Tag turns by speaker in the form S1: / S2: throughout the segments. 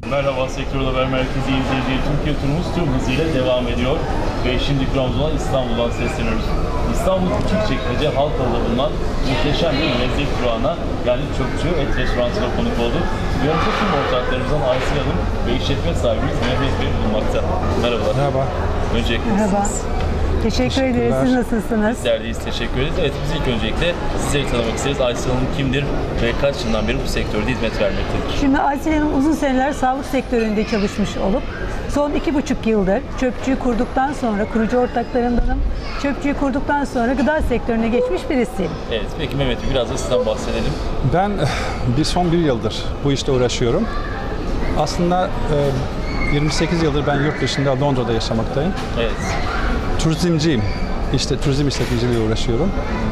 S1: Merhaba, Sektör Haber Merkezi izleyicileri. Türkiye turumuz tüm hızıyla devam ediyor. Ve şimdi durağımız olan İstanbul'dan sesleniyoruz. İstanbul Küçükçekmece Halkalı'da bulunan muhteşem bir lezzet durağına, yani Çöpçü Et Restorantı'na konuk olduk. Yanımızda tüm ortaklarımızdan Aysel Hanım ve işletme sahibimiz Mehmet Bey bulunmakta. Merhabalar.
S2: Merhaba.
S1: Öncelikle
S3: Merhaba. Teşekkür ederiz. Siz nasılsınız?
S1: Bizler deyiz, teşekkür ederiz. Evet, biz ilk öncelikle sizleri tanımak isteriz. Aysel Hanım kimdir ve kaç yıldan beri bu sektörde hizmet vermektedir?
S3: Şimdi Aysel Hanım uzun seneler sağlık sektöründe çalışmış olup son 2,5 yıldır Çöpçü'yü kurduktan sonra, kurucu ortaklarındanım. Çöpçü'yü kurduktan sonra gıda sektörüne geçmiş birisiyim.
S1: Evet, peki Mehmet Bey biraz da sizden bahsedelim.
S2: Ben son bir yıldır bu işte uğraşıyorum. Aslında 28 yıldır ben yurt dışında Londra'da yaşamaktayım.
S1: Evet.
S2: Turizmciyim. İşte turizm işletmeciliğiyle uğraşıyorum.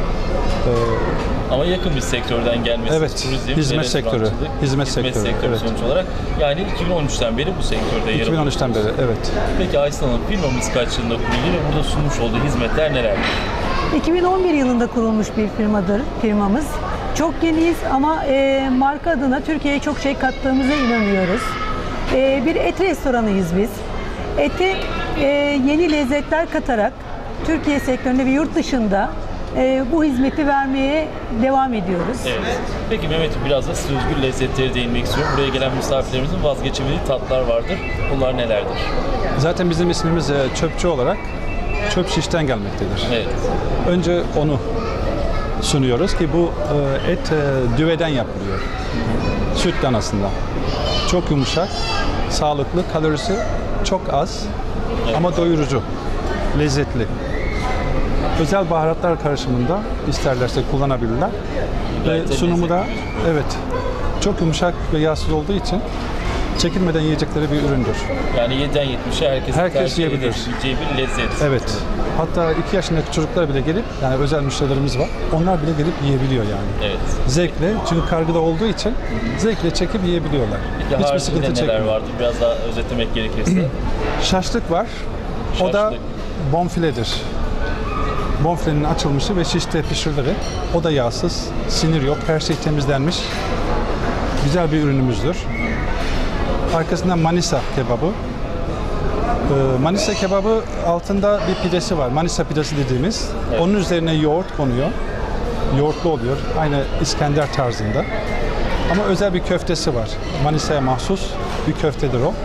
S1: Ama yakın bir sektörden gelmesi,
S2: Evet,
S1: turizm,
S2: hizmet sektörü. Hizmet sektörü, evet.
S1: Sonuç olarak. Yani 2013'ten beri bu sektörde yer alıyorsunuz.
S2: 2013'ten beri, evet.
S1: Peki Aysel Hanım, firmamız kaç yılında kuruldu ve burada sunmuş olduğu hizmetler nelerdir?
S3: 2011 yılında kurulmuş bir firmamız. Çok yeniyiz ama marka adına Türkiye'ye çok şey kattığımıza inanıyoruz. Bir et restoranıyız biz. Ete yeni lezzetler katarak Türkiye sektöründe ve yurt dışında bu hizmeti vermeye devam ediyoruz.
S1: Evet. Peki Mehmet Bey, biraz da size özgü lezzetlere değinmek istiyorum. Buraya gelen misafirlerimizin vazgeçemediği tatlar vardır. Bunlar nelerdir?
S2: Zaten bizim ismimiz Çöpçü olarak çöp şişten gelmektedir.
S1: Evet.
S2: Önce onu sunuyoruz ki bu et düveden yapılıyor. Sütten aslında. Çok yumuşak, sağlıklı, kalorisi çok az ama doyurucu, lezzetli. Özel baharatlar karışımında isterlerse kullanabilirler. Ve sunumu da evet çok yumuşak ve yağsız olduğu için çekilmeden yiyecekleri bir üründür.
S1: Yani 7'den 70'e
S2: Herkes yiyebilir.
S1: edebileceği bir lezzet.
S2: Evet. Hatta 2 yaşındaki çocuklar bile gelip, yani özel müşterilerimiz var. Onlar bile gelip yiyebiliyor yani.
S1: Evet.
S2: Zevkle, çünkü kargıda olduğu için zevkle çekip yiyebiliyorlar.
S1: Peki
S2: Hiçbir sıkıntı
S1: haricinde neler
S2: çekmiyor.
S1: vardır? Biraz daha özetlemek gerekirse.
S2: Şaşlık var. O da
S1: Şaşlık.
S2: bonfiledir. Bonfilenin açılmışı ve şişte pişirileri. O da yağsız, sinir yok, her şey temizlenmiş. Güzel bir ürünümüzdür. Arkasından Manisa kebabı. Manisa kebabı altında bir pidesi var. Manisa pidesi dediğimiz.
S1: Evet.
S2: Onun üzerine yoğurt konuyor. Yoğurtlu oluyor. Aynı İskender tarzında. Ama özel bir köftesi var. Manisa'ya mahsus bir köftedir o.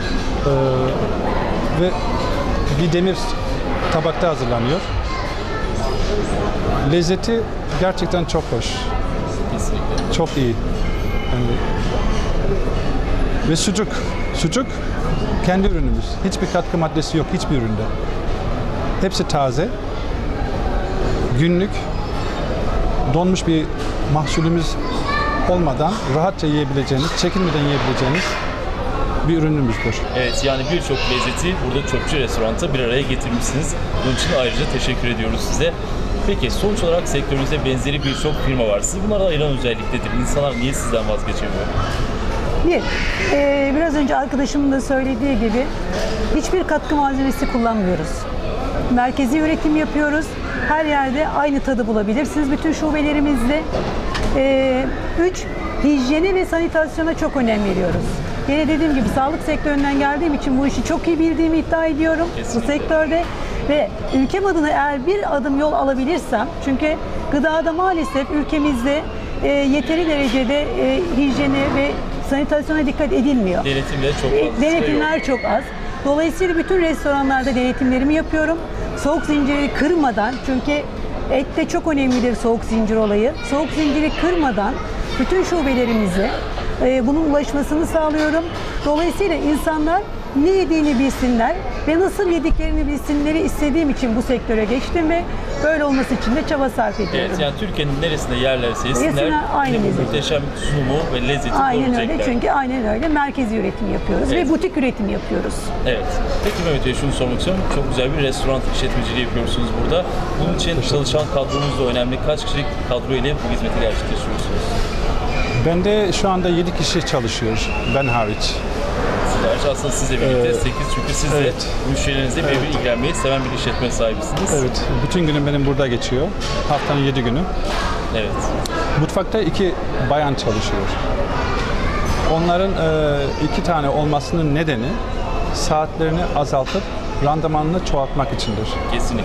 S2: Ve bir demir tabakta hazırlanıyor. Lezzeti gerçekten çok hoş.
S1: Kesinlikle.
S2: Çok iyi. Yani ve sucuk. Sucuk kendi ürünümüz. Hiçbir katkı maddesi yok hiçbir üründe. Hepsi taze. Günlük donmuş bir mahsulümüz olmadan rahatça yiyebileceğiniz, çekinmeden yiyebileceğiniz bir ürünümüzdür.
S1: Evet, yani birçok lezzeti burada Çöpçü Restoran'ta bir araya getirmişsiniz. Bunun için ayrıca teşekkür ediyoruz size. Peki sonuç olarak sektörünüzde benzeri birçok firma var. Sizi bunlara ayıran özellik nedir? İnsanlar niye sizden vazgeçemiyor?
S3: Biraz önce arkadaşımın da söylediği gibi hiçbir katkı malzemesi kullanmıyoruz. Merkezi üretim yapıyoruz. Her yerde aynı tadı bulabilirsiniz. Bütün şubelerimizde. 3. Hijyene ve sanitasyona çok önem veriyoruz. Yine dediğim gibi sağlık sektöründen geldiğim için bu işi çok iyi bildiğimi iddia ediyorum.
S1: Kesinlikle.
S3: Bu sektörde ve ülkem adına eğer bir adım yol alabilirsem, çünkü gıdada maalesef ülkemizde yeteri derecede hijyene ve sanitasyona dikkat edilmiyor.
S1: Denetimleri çok fazla
S3: Denetimler
S1: yok.
S3: çok az. Dolayısıyla bütün restoranlarda denetimlerimi yapıyorum. Soğuk zinciri kırmadan, çünkü ette çok önemlidir soğuk zincir olayı. Soğuk zinciri kırmadan bütün şubelerimize bunun ulaşmasını sağlıyorum. Dolayısıyla insanlar ne yediğini bilsinler ve nasıl yediklerini bilsinleri istediğim için bu sektöre geçtim ve böyle olması için de çaba sarf ediyorum.
S1: Evet, yani Türkiye'nin neresinde yerlerse yesinler,
S3: aynı
S1: yine bu
S3: lezzet.
S1: muhteşem sunumu ve lezzeti
S3: Aynen
S1: görecekler.
S3: öyle, çünkü aynen öyle merkezi üretim yapıyoruz
S1: Evet.
S3: ve butik üretim yapıyoruz.
S1: Evet. Peki Mehmet Bey, şunu sormak istiyorum. Çok güzel bir restoran işletmeciliği yapıyorsunuz burada. Bunun için çalışan kadronuz da önemli. Kaç kişilik kadro ile bu hizmeti gerçekleştiriyorsunuz?
S2: Bende şu anda 7 kişi çalışıyor, ben hariç.
S1: Gerçi aslında sizle birlikte 8, çünkü siz de
S2: evet.
S1: müşterilerinizle birebir ilgilenmeyi seven bir işletme sahibisiniz.
S2: Evet, bütün günüm benim burada geçiyor. Haftanın 7 günü.
S1: Evet.
S2: Mutfakta 2 bayan çalışıyor. Onların 2 tane olmasının nedeni saatlerini azaltıp randımanını çoğaltmak içindir.
S1: Kesinlikle.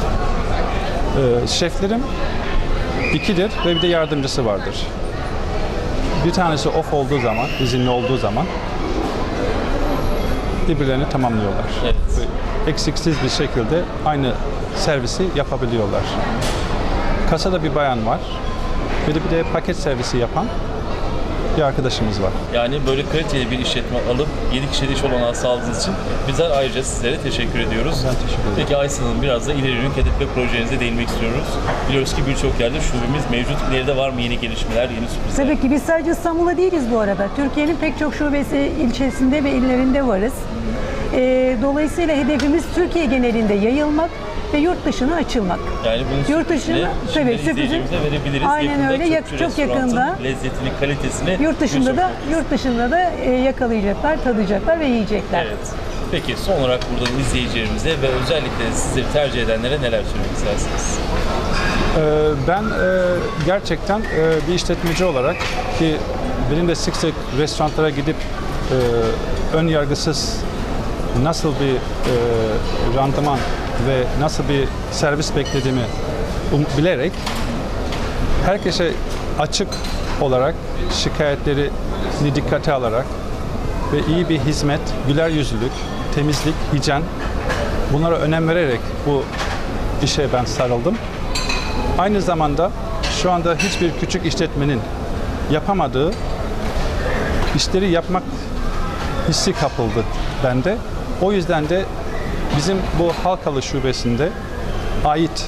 S2: Şeflerim 2'dir ve bir de yardımcısı vardır. Bir tanesi off olduğu zaman, izinli olduğu zaman birbirlerini tamamlıyorlar.
S1: Evet.
S2: Eksiksiz bir şekilde aynı servisi yapabiliyorlar. Kasada bir bayan var. Bir de paket servisi yapan bir arkadaşımız var.
S1: Yani böyle kaliteli bir işletme alıp 7 kişilik iş olanağı sağladığınız için bizler ayrıca sizlere teşekkür ediyoruz.
S2: Ben teşekkür ederim.
S1: Peki Aysel Hanım, biraz da ileri yönelik hedef ve projenize değinmek istiyoruz. Biliyoruz ki birçok yerde şubemiz mevcut. İleride var mı yeni gelişmeler, yeni sürprizler?
S3: Tabii ki biz sadece İstanbul'da değiliz bu arada. Türkiye'nin pek çok şubesi, ilçesinde ve illerinde varız. Dolayısıyla hedefimiz Türkiye genelinde yayılmak ve yurt dışına açılmak.
S1: Yani bunun
S3: Yurt dışına
S1: sürprizini
S3: tabii
S1: şimdiden izleyicilerimize verebiliriz.
S3: Aynen
S1: Yakında
S3: öyle.
S1: Çöpçü
S3: Çok
S1: Restoran'ın
S3: yakında
S1: lezzetini, kalitesini
S3: yurt dışında da yakalayacaklar, tadacaklar ve yiyecekler.
S1: Evet. Peki son olarak buradan izleyicilerimize ve özellikle sizleri tercih edenlere neler söylemek istersiniz?
S2: Ben gerçekten bir işletmeci olarak ki benim de sık sık restoranlara gidip ön yargısız nasıl bir randıman ve nasıl bir servis beklediğimi bilerek herkese açık olarak şikayetlerini dikkate alarak ve iyi bir hizmet, güler yüzlülük, temizlik, hijyen bunlara önem vererek bu işe ben sarıldım. Aynı zamanda şu anda hiçbir küçük işletmenin yapamadığı işleri yapmak hissi kapıldı bende. O yüzden de bizim bu Halkalı şubesinde ait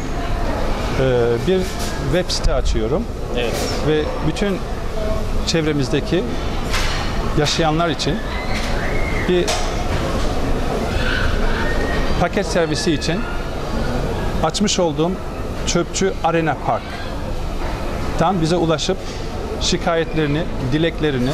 S2: bir web site açıyorum.
S1: Evet.
S2: Ve bütün çevremizdeki yaşayanlar için bir paket servisi için açmış olduğum Çöpçü Arena Park'tan bize ulaşıp şikayetlerini, dileklerini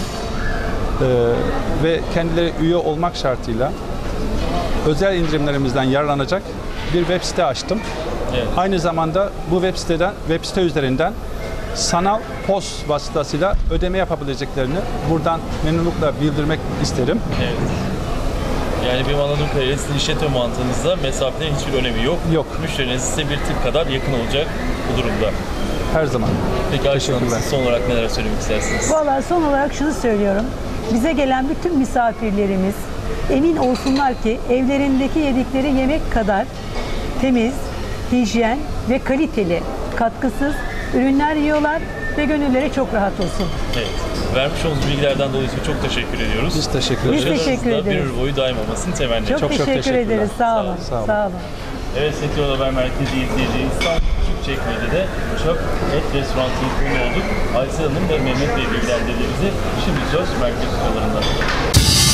S2: ve kendileri üye olmak şartıyla özel indirimlerimizden yararlanacak bir web site açtım.
S1: Evet.
S2: Aynı zamanda bu web site üzerinden sanal POS vasıtasıyla ödeme yapabileceklerini buradan memnunlukla bildirmek isterim.
S1: Evet. Yani benim anladığım kadarıyla sizin işletme mantığınızda mesafelerin hiçbir önemi yok.
S2: Yok.
S1: Müşteriniz size bir tık kadar yakın olacak bu durumda.
S2: Her zaman.
S1: Peki Aysel Hanım,
S2: Teşekkürler.
S1: siz son olarak neler söylemek istersiniz?
S3: Vallahi son olarak şunu söylüyorum. Bize gelen bütün misafirlerimiz emin olsunlar ki evlerindeki yedikleri yemek kadar temiz, hijyen ve kaliteli, katkısız ürünler yiyorlar ve gönülleri çok rahat olsun.
S1: Evet. Vermiş olduğunuz bilgilerden dolayı çok teşekkür ediyoruz.
S2: Biz teşekkür ederiz.
S3: Biz teşekkür
S1: Başarılarınız da bir
S3: ederiz.
S1: ömür boyu daim olmasını temenni ediyoruz.
S3: Çok teşekkür
S2: teşekkürler.
S3: ederiz. Sağ olun.
S2: Sağ olun.
S3: Sağ olun.
S1: Evet, Sektör Haber Merkezi izleyicileri, İstanbul Küçükçekmece'de Çöp Et Restoranı'nın konu olduk. Aysel Hanım ve Mehmet Bey bilgilendirdi bizi. Şimdi söz merkez stüdyolarında.